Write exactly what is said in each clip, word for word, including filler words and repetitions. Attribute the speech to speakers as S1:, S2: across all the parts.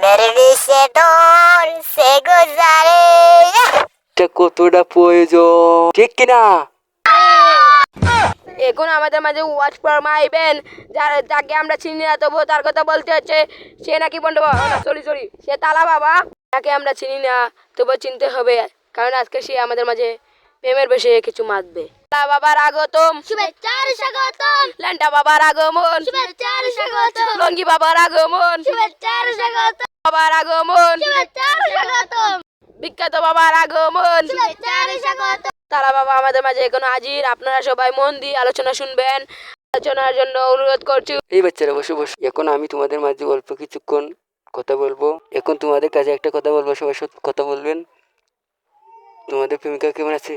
S1: প্রেমের বিষে ডর সে গুজারে।
S2: এটা কতটা প্রয়োজন, ঠিক কিনা?
S3: এখন আমাদের মাঝে ওয়াচ ফরমাইবেন, যার যাকে আমরা চিনি না তবুও তার কথা বলতে হচ্ছে। সে নাকি বন্ধু সরি সরি সে তালা বাবা, যাকে আমরা চিনি না তবুও চিনতে হবে, কারণ আজকে সে আমাদের মাঝে প্রেমের বিষয়ে কিছু মাতবে। তালা বাবার আগতম,
S1: শুভেচ্ছার স্বাগতম,
S3: ল্যান্ডা বাবার আগমন,
S1: শুভেচ্ছার স্বাগতম,
S3: লঙ্গি বাবার আগমন,
S1: শুভেচ্ছার স্বাগতম,
S3: বাবার আগমন,
S1: শুভেচ্ছার স্বাগতম,
S3: বিখ্যাত বাবার আগমন,
S1: শুভেচ্ছার স্বাগতম।
S3: তারা বাবা আমাদের মাঝে এখন হাজির। আপনারা সবাই মন দিয়ে আলোচনা শুনবেন। আলোচনার জন্য অনুরোধ করছি।
S2: এই বাচ্চারা বসে বসে, এখন আমি তোমাদের মাঝে অল্প কিছুক্ষণ কথা বলবো। এখন তোমাদের কাছে একটা কথা বলবো, সবাই সত্যি কথা বলবেন। তোমাদের প্রেমিকা কেমন আছে?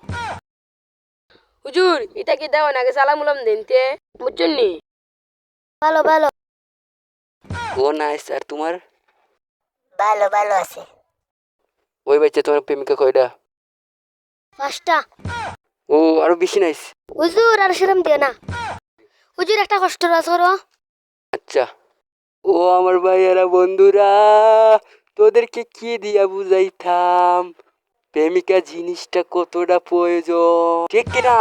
S3: হুজুর এটা কি দেও নাকি সালাম উলাম দিনতে, বুঝছেন নি?
S1: ভালো ভালো
S2: ও নাইস। আর তোমার?
S1: ভালো ভালো আছে।
S2: ওই বাচ্চা, তোমার প্রেমিকা কয়টা?
S1: পাঁচটা।
S2: ও আরো বেশি নাইস।
S1: হুজুর আর সেরম দিও না হুজুর, একটা কষ্ট রাখো।
S2: আচ্ছা। ও আমার ভাইয়ারা বন্ধুরা, তোদেরকে কি দিয়া বুঝাইতাম প্রেমিকা জিনিসটা কতটা প্রয়োজন, ঠিক কিনা?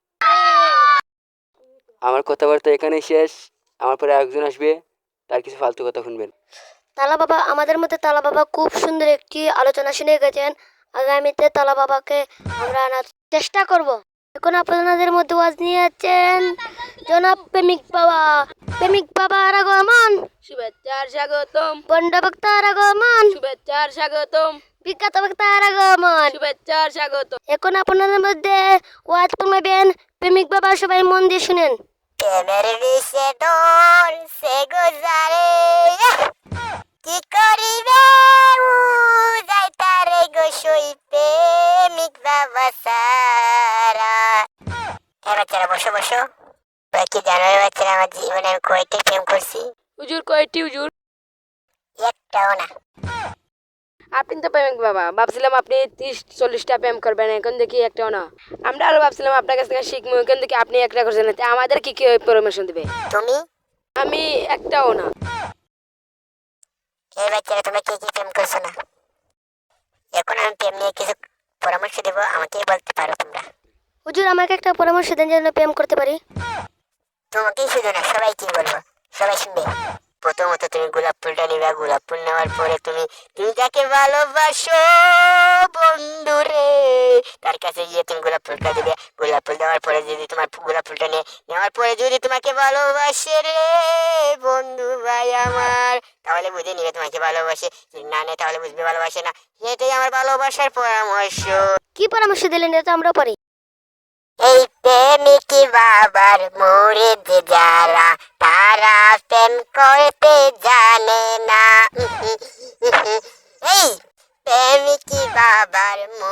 S2: আমার কথাবার্তা এখানে শেষ। আমার পরে একজন আসবে, তার কিছু ফালতু কথা শুনবেন।
S1: তালা বাবা আমাদের মধ্যে তালা বাবা খুব সুন্দর একটি আলোচনা শুনে গেছেন। আগামীতে তালা বাবাকে আমরা আনার চেষ্টা করব। এখন আপনাদের মধ্যে ওয়াজ নিয়ে আছেন জনাব প্রেমিক বাবা। প্রেমিক বাবার আগমন,
S3: শুভেচ্ছার স্বাগতম,
S1: বন্ড বক্তার আগমন,
S3: শুভেচ্ছার স্বাগতম,
S1: বিখ্যাত বক্তার আগমন।
S3: শুভেচ্ছার স্বাগতম।
S1: এখন আপনাদের মধ্যে ওয়াজ করবেন প্রেমিক বাবা, সবাই মন দিয়ে শুনেন। প্রেমের বিষে ডর সে গুজারে, কি করিবে উজাই তারে গোসই প্রেমিক বাবা সারা। হ্যাঁ বাচ্চারা বসো বসো। তোরা কি জানো রে বাচ্চারা, আমার জীবনে আমি কয়টি প্রেম করছি?
S3: হুজুর কয়টি হুজুর?
S1: একটাও না।
S3: আপনি তো প্রেমিক বাবা, ভাবছিলাম আপনি ত্রিশ চল্লিশটা প্রেম করবেন, এখন দেখি একটাও না। আমরা আরো ভাবছিলাম আপনার কাছ থেকে শিখবো, এখন দেখি আপনি একটা করছেন। তা আমাদের কি কি পরামর্শ দেবে?
S1: তুমি?
S3: আমি একটাও না।
S1: এই বাচ্চারা তোমরা কি কি প্রেম করছো না? এখন আমি প্রেম নিয়ে কিছু পরামর্শ দেবো, আমাকেই বলতে পারো তোমরা। হুজুর আমাকে একটা পরামর্শ দেন যেন প্রেম করতে পারি। তোমাকেই শুধু না, সবাই কি বলবো, সবাই শুনবে। প্রথমত তুমি গোলাপ ফুলটা নিবে, গোলাপ ফুল নেওয়ার পরে তুমি তুমি যাকে ভালোবাসো বন্ধু রে, তার কাছে গিয়ে তুমি গোলাপ ফুলটা দিবে। গোলাপ ফুল দেওয়ার পরে যদি তোমার গোলাপ ফুলটা নিয়ে নেওয়ার পরে যদি তোমাকে ভালোবাসে রে বন্ধু ভাই আমার, তাহলে বুঝে নিবে তোমাকে ভালোবাসে। যদি না নেয় তাহলে বুঝবে ভালোবাসে না। এটাই আমার ভালোবাসার পরামর্শ। কি পরামর্শ দিলেন এটা আমরা পারি। এই প্রেমিক বাবার মুরিদ যারা, তারা প্রেম করতে জানে না। এই প্রেমিক বাবার